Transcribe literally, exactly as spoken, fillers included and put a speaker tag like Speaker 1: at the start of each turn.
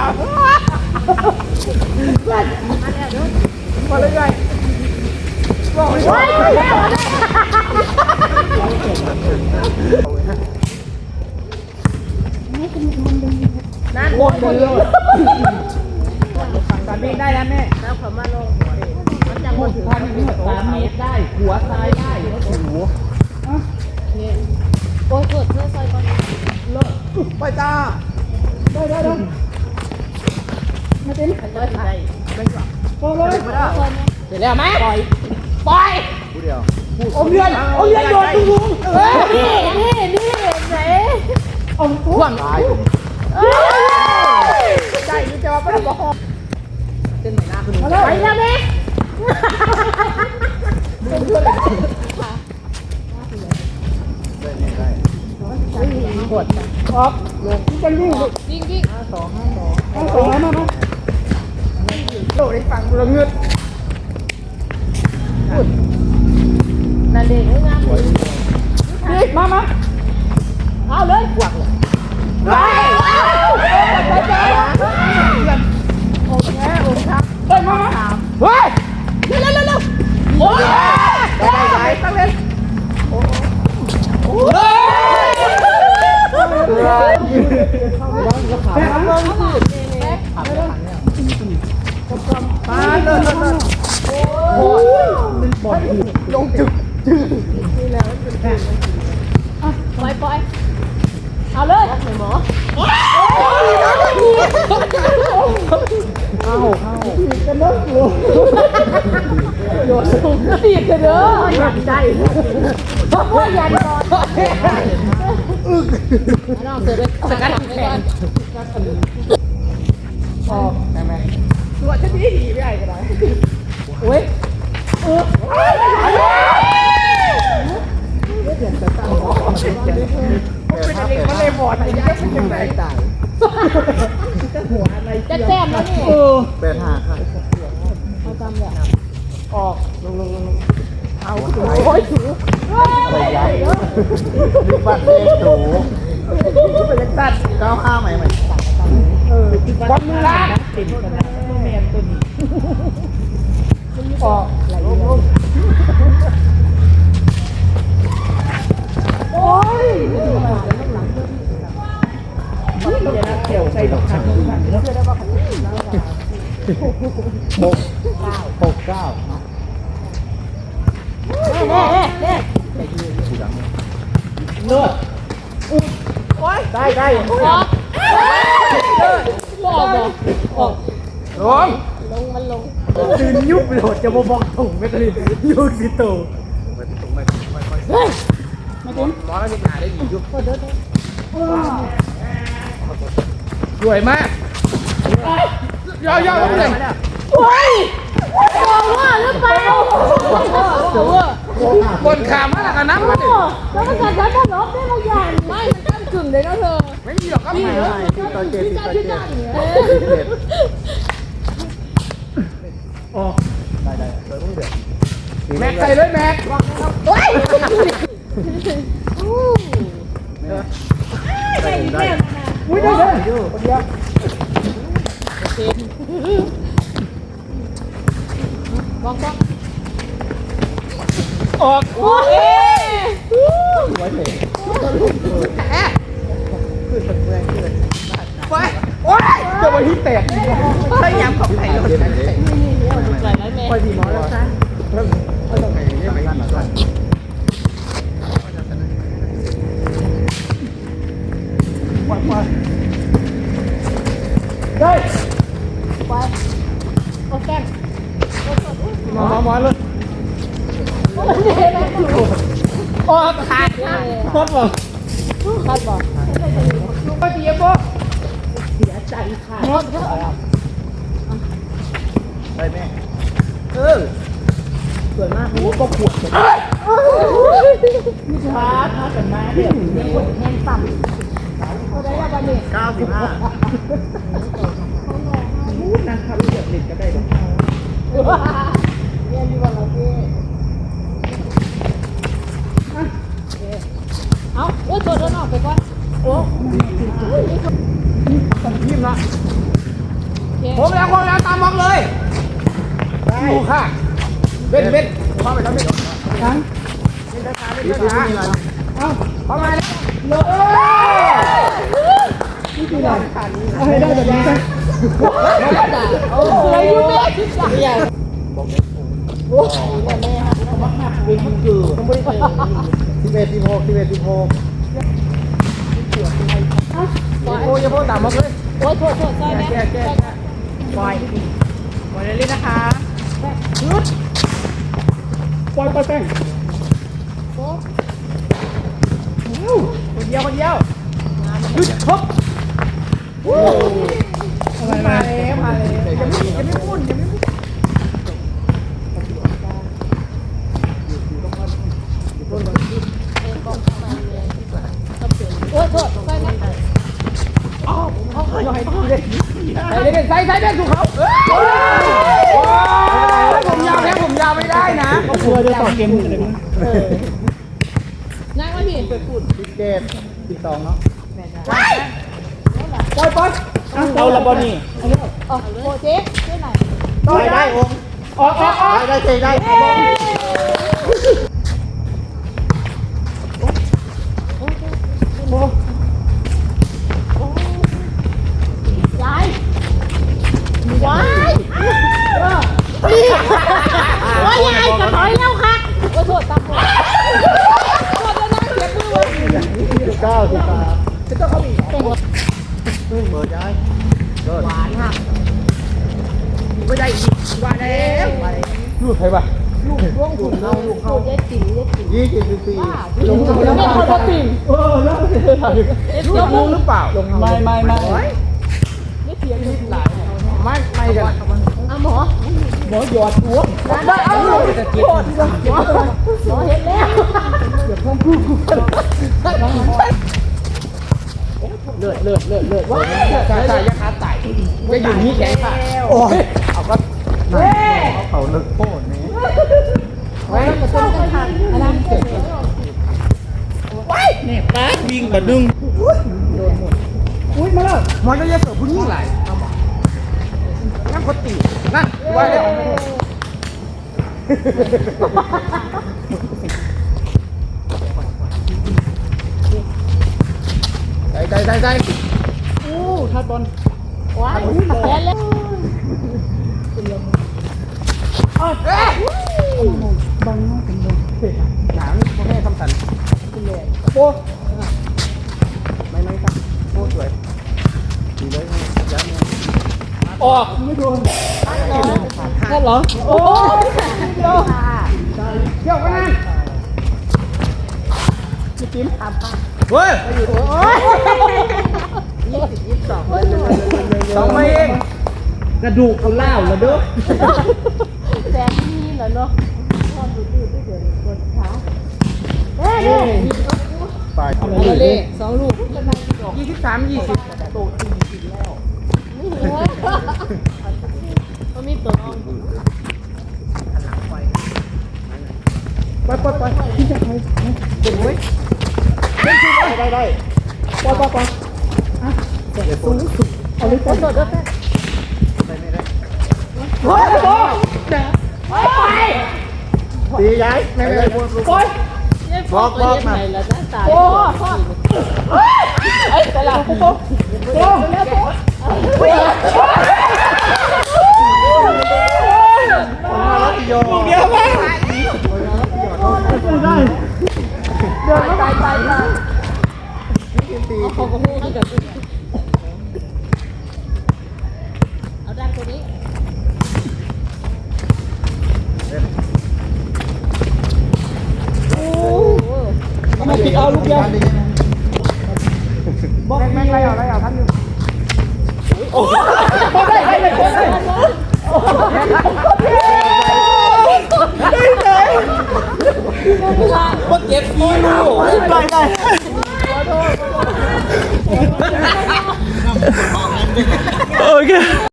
Speaker 1: มาเลยไงบอกเลยว่านั่นคนเดียวสามเมตรได้แล้วแม่แล้วผมมาลงมันจะหมดพันถึงสามเมตรได้หัวซ้ายได้แล้วหัวเนี่ยโอ้ยกดเพื่อซอยก่อนเลิกไปจ้าได้ได้ได้มาเต้นไปเลยไปไปก่อนโอ้เลยเสร็จแล้วไหมปล่อยปล่อยผู้เดียวอมเรียนอมเรียนโดนตุ้งลุงนี่นี่นี่ไหนอมพ่วงใจนี่จะว่าเป็นบ่อเต้นไหนหน้าคุณไปแล้วแม่ได้ได้กดออกลงจะวิ่งวิ่งวิ่งห้าสองห้าสองห้าสองมามาโดดได้ฟังระเงิดนั่นเด็กงามเลยนี่มามาเอาเลยกวักเลยไปไปไปโอเคโอเคครับเฮ้ยมามาเฮ้ยเร็วเร็วเร็วเร็วโอ้ยได้ได้ได้ตั้งเลยโอ้โหแม่ทำเลยแม่ทำเลยมาเลยเลยโอ้ยมันบอดลงจึกจึกนี่แล้วมันเป็นปล่อยปล่อยเอาเลยหมอเข้าเข้ากันเลิกลงโยนลงตีกันเด้ออยากใจเพราะว่ายันนอนอึกน้องเสือด้วยสกัดแขนพอได้ไหมตัวฉันดีดีไม่ได้ก็ได้โอ้ยเออเปลี่ยนแต่ตาเป็นอะไรมันเลยบอดอะไรยังเป็นยังไงตายจะหัวอะไรจะแต้มแล้วนี่แปดห้าค่ะเอาจำเลยออกลงลงลงเอาโอ้ยถูอะไรใหญ่มีบัตรเลขถูเป็นตัดเก้าห้าใหม่ใหม่เออวันมือละติดกันนะแมนตัวนี้ออกไหลลงลงโอ้ยเดี๋ยวนะเกี่ยวใส่ดอกขันขันแล้วเชื่อได้ว่าขันหกเก้าหกเก้าเน่เน่เน่เลิศโอ้ยได้ได้ออกออกออกลงลงมันลงตื่นยุบไปโหดจะมาบอกถุงไม่ตื่นยุบสิตู่ไม่ถุงไม่ไม่ไม่เฮ้ยมาถึงร้อนแล้วยังหาได้ดียุบสวยมากย่อย่อเลยโอ้ยบอกว่าหรือเปล่าบนขามาแล้วกันน้ำมันแล้วมันจะจะลบได้บางอย่างไม่มันตั้งกึ่งเลยนะเธอไม่มีหรอกก็ไม่ติดต่อเจ็ดติดต่อเจ็ดโอ้ได้ได้เลยต้องเดือดแม็กใส่เลยแม็กโอ้ยได้ได้อุ้ยได้เลยคนเดียวโอเคบอกบอกออกโอ้ยไว้เลยแอะขึ้นแรงขึ้นไปโอ้ยจะไปที่แตกพยายามขับไผ่รถไปดีมอแล้วจ้าเพิ่มเพิ่มไผ่เนี่ยไม่ดีก่อนไปไปได้ไปโอเคมามามาเลยโอ้ขาดพอดบ่พอดบ่ก็ดีบ่เสียใจค่ะได้แม่เออสวยมากโอ้ก็ขวดเลยช้าช้ากันมาเดี๋ยวเดี๋ยวคนแห้งต่ำเขาได้ว่าบันเด็กเก้าสิบห้านั่งทำเดือดเด็ดก็ได้ด้วยเรียนอยู่วันละพี่เอาโอ้ยตัวเดินออกไปก่อนโอ้ตัดทีมละ
Speaker 2: ผมแล้วผมแล้วตามบล็อกเลยดูค่ะเบ็ดเบ็ดเข้าไปแล้วเบ็ดทั้งเบ็ดช้าเบ็ดช้าเอ้าเข้ามาเลยนี่คืออะไรเอาให้ได้แบบนี้กันโอ้ยยูเบ็ดใหญ่โอ้ยแม่ฮะมาหักวินคือต้องบริการสิบเอ็ดสิบหกสิบเอ็ดสิบหกโอ้ยอย่าพูดต่ำมากเลยโอ้ยโทษโทษใช่ไหมแก้แก้ปล่อยปล่อยเลยนะคะยุดปล่อยปล่อยแป้งคนเดียวคนเดียวยุดครบมาเลยมาเลยยังไม่ยังไม่พูดยังไม่พูดโอ้ยโทษใช่ไหมอ๋อเขาเคยให้ดูเลยใส่เลยใส่ใส่เป็นถูกเขาผมยาวแค่ผมยาวไม่ได้นะเขากลัวจะต่อเกมอะไรมั้งนั่งมาพี่ไปพูดสิบเจ็ดสิบสองเนาะปล่อยปล่อยเอาละบอนี่อ๋อโอเจ๊ช่วยหน่อยได้ได้องออกออกออกได้ได้ได้ยายว้ายว่ายายกระถอยแล้วค่ะโอ้โทษตามโทษโทษแล้วนะเสียมือวะสิบเก้าสิบสามจะต้องเขาอีกเปิดยายหวานค่ะไม่ได้อีกว่าแล้วลูกใครวะลูกร่วงถุงเราลูกเขาเย็ดจีเย็ดจียี่สิบสี่ลงแล้วไม่คนละติ่งเออแล้วลูกรู้หรือเปล่าไม่ไม่ไม่ไม่เสียนิดหลายไม่ไม่กันอ่ะหมอหมอหยอดหัวได้เอาจะกินหมอหมอเห็นแล้วเดี๋ยวพ่อพูดเลือดเลือดเลือดเลือดว้าใช่ใช่ยักษ์ขาไต่จะอยู่นี่แข็งค่ะโอ้ยเอาก็เขาเขาเลิกโป้เนี่ยไว้กระตุ้นกันทันอันนั้นเกิดว้ายเนี่ยป้าวิ่งแบบดึงโดนหมดอุ้ยมาแล้วหมอจะเยอะเสือผู้หญิงหลายนั่งคนตีนั่นว่าแล้วใจใจใจใจอู้ทัดบอลว้ายแพ้แล้วอ๋อเอ๊ะบังน้องเป็นลมหนาวนี่พ่อแม่ทำสันโป้ไม่ไม่ครับโป้สวยดีเลยยัดเนี่ยออกไม่โดนนั่นเหรอโอ้เดี๋ยวเดี๋ยวกันนั่นจิ๊บจิ๊บเฮ้ยโอ้ยยี่สิบยี่สิบสองสองมาเองกระดูกเขาเล่าแล้วเด้อแซมนี่เหรอเนาะชอบดูดูด้วยเดี๋ยวปวดขาเฮ้ยไปเอาเลยสองลูกยี่สิบสามยี่สิบโตจริงจริงแล้วนี่เหรอมันมีตัวน้องหันหลังไปไปไปไปที่จะไปเดี๋ยวไว้ได้ได้ไปไปไปอ่ะเดี๋ยวสูงสุดเอาเลยไปไปไปไม่ได้โอ้ยโอ้ยไปตีย้ายไม่ไม่ไปบอกบอกมาโอ้พ่อเอ้ยแต่ละโอ้โหโอ้แล้วโอ้ยเดี๋ยวไปได้เดินไปไปไปเขาก็พูดให้กับเอาด้านตัวนี้มาปิดเอาลูกเดียวบอกแม่งไรเอาไรเอาท่านนึงโอ้ได้ได้ได้ได้ว่าเก็บฟีลูกได้ได้โอเค